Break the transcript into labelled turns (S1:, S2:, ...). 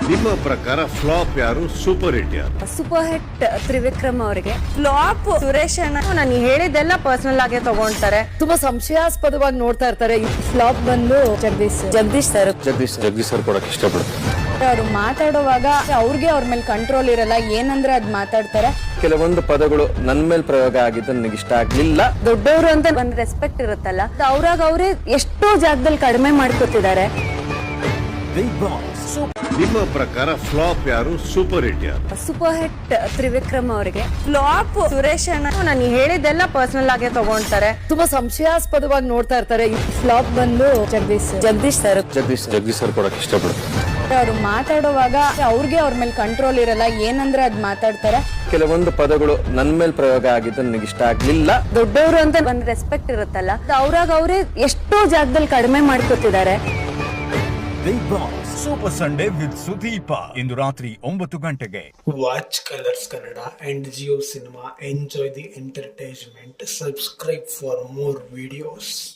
S1: ನಿಮ್ಮ ಪ್ರಕಾರ ಫ್ಲಾಪ್ ಯಾರು, ಸೂಪರ್ ಹಿಟ್ ಯಾರು?
S2: ಸೂಪರ್ ಹಿಟ್ ತ್ರಿವಿಕ್ರಮ್ ಅವರಿಗೆ, ಫ್ಲಾಪ್ ಸುರೇಶ್ ಅಣ್ಣ. ನಾನು ಹೇಳಿದ್ದೆಲ್ಲ ಪರ್ಸನಲ್ ಆಗಿ ತಗೊಂತಾರೆ, ತುಂಬಾ ಸಂಶಯಾಸ್ಪದವಾಗಿ ನೋಡ್ತಾ ಇರ್ತಾರೆ. ಫ್ಲಾಪ್ ಬಂದು ಜಗದೀಶ್ ಸರ್
S1: ಕೊಡಕ್ಕೆ ಇಷ್ಟಪಡ್ತಾರೆ.
S2: ಅವರು ಮಾತಾಡುವಾಗ ಅವ್ರಿಗೆ ಅವ್ರ ಮೇಲೆ ಕಂಟ್ರೋಲ್ ಇರಲ್ಲ, ಏನಂದ್ರೆ ಅದ್ ಮಾತಾಡ್ತಾರೆ.
S3: ಕೆಲವೊಂದು ಪದಗಳು ನನ್ ಮೇಲೆ ಪ್ರಯೋಗ ಆಗಿದ್ದು ನನಗೆ ಇಷ್ಟ ಆಗ್ಲಿಲ್ಲ.
S2: ದೊಡ್ಡವರು ಅಂತ ಒಂದ್ ರೆಸ್ಪೆಕ್ಟ್ ಇರುತ್ತಲ್ಲ, ಅವ್ರಾಗ ಅವ್ರೆ ಎಷ್ಟೋ ಜಾಗದಲ್ಲಿ ಕಡಿಮೆ ಮಾಡ್ಕೊತಿದ್ದಾರೆ.
S1: ನಿಮ್ಮ ಪ್ರಕಾರ ಫ್ಲಾಪ್ ಯಾರು, ಸೂಪರ್ ಹಿಟ್ ಯಾರು?
S2: ಸೂಪರ್ ಹಿಟ್ ತ್ರಿವಿಕ್ರಮ್ ಅವರಿಗೆ, ಫ್ಲಾಪ್ ಸುರೇಶ್ ಅಣ್ಣ. ನಾನು ಹೇಳಿದ್ದೆಲ್ಲ ಪರ್ಸನಲ್ ಆಗಿ ತಗೊಂತಾರೆ, ತುಂಬಾ ಸಂಶಯಾಸ್ಪದವಾಗಿ ನೋಡ್ತಾ ಇರ್ತಾರೆ. ಫ್ಲಾಪ್ ಬಂದು ಜಗದೀಶ್
S3: ಸರ್ ಕೊಡಕ್ಕೆ ಇಷ್ಟಪಡ್ತಾರೆ.
S2: ಅವರು ಮಾತಾಡುವಾಗ ಅವ್ರಿಗೆ ಅವ್ರ ಮೇಲೆ ಕಂಟ್ರೋಲ್ ಇರಲ್ಲ, ಏನಂದ್ರೆ ಅದ್ ಮಾತಾಡ್ತಾರೆ.
S3: ಕೆಲವೊಂದು ಪದಗಳು ನನ್ ಮೇಲೆ ಪ್ರಯೋಗ ಆಗಿದ್ದು ನನಗೆ ಇಷ್ಟ ಆಗ್ಲಿಲ್ಲ.
S2: ದೊಡ್ಡವರು ಅಂತ ಒಂದ್ ರೆಸ್ಪೆಕ್ಟ್ ಇರುತ್ತಲ್ಲ, ಅವ್ರಾಗ ಅವ್ರೆ ಎಷ್ಟೋ ಜಾಗದಲ್ಲಿ ಕಡಿಮೆ ಮಾಡ್ಕೊತಿದ್ದಾರೆ.
S4: Bigg Boss super Sunday with Sudeep ಇಂದು ರಾತ್ರಿ 9 ಗಂಟೆಗೆ.
S5: Watch Colors Kannada and Jio Cinema. Enjoy the entertainment. Subscribe for more videos.